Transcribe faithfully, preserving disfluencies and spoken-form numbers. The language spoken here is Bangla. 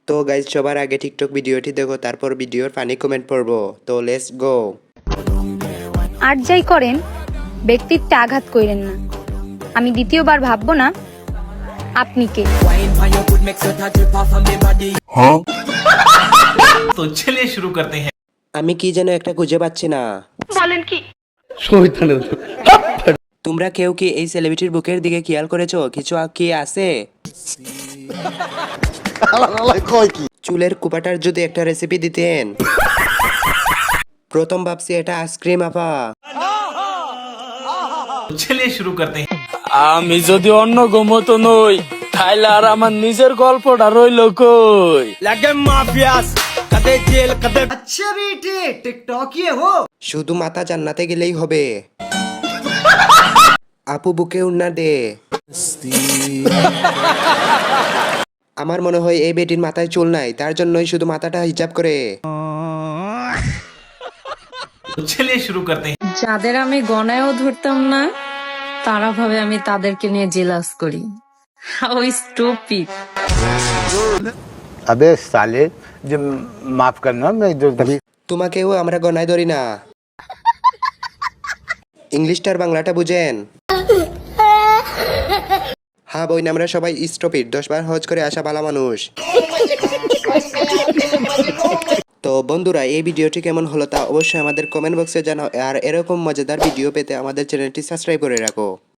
তো গাইজ সবার আগে টিকটক ভিডিওটি দেখো, তারপর ভিডিওর ফানি কমেন্ট পড়বো। তো লেটস গো। আর যাই করেন ব্যক্তিত্বে আঘাত কইরেন না। আমি দ্বিতীয়বার ভাববো না আপনি কে। तो चलिए शुरू करते हैं। আমি কি যেন একটা খুঁজে পাচ্ছি না। বলেন কি? তোমরা কেউ কি এই সেলিব্রিটির বুকের দিকে খেয়াল করেছো? কিছু কি আছে? চুলের কুপাটার যদি একটা রেসিপি দিতেন। প্রথম ভাবছি এটা আইসক্রিম আপা। तो चलिए शुरू करते हैं। আমি যদি অন্য গোমতো নই তাইলে আর আমার নিজের গল্পটা রইল কই। লাগে মাফিয়াস কদে জেল কদে। अच्छा बेटे टिकटॉक ये हो। শুধু মাথা জান্নাতে গেলেই হবে। আপু বুকে উন্না দে। আমার মনে হয় এই বেটির মাথায় চুল নাই, তার জন্যই শুধু মাথাটা হিজাব করে। तो चलिए शुरू करते हैं। যাদের আমি গণায়ও ধরতাম না তারা ভাবে আমি তাদেরকে নিয়ে জেলাস করি। How stupid. अबे साले जब माफ करना मैं जो तभी তোমাকেও আমরা গনায় ধরি না। ইংলিশটার বাংলাটা বুঝেন? হ্যাঁ বই না, আমরা সবাই স্টপিড, দশ বার হজ করে আসা ভালো মানুষ। তো বন্ধুরা, এই ভিডিওটি কেমন হলো তা অবশ্যই আমাদের কমেন্ট বক্সে জানাও, আর এরকম মজাদার ভিডিও পেতে আমাদের চ্যানেলটি সাবস্ক্রাইব করে রাখো।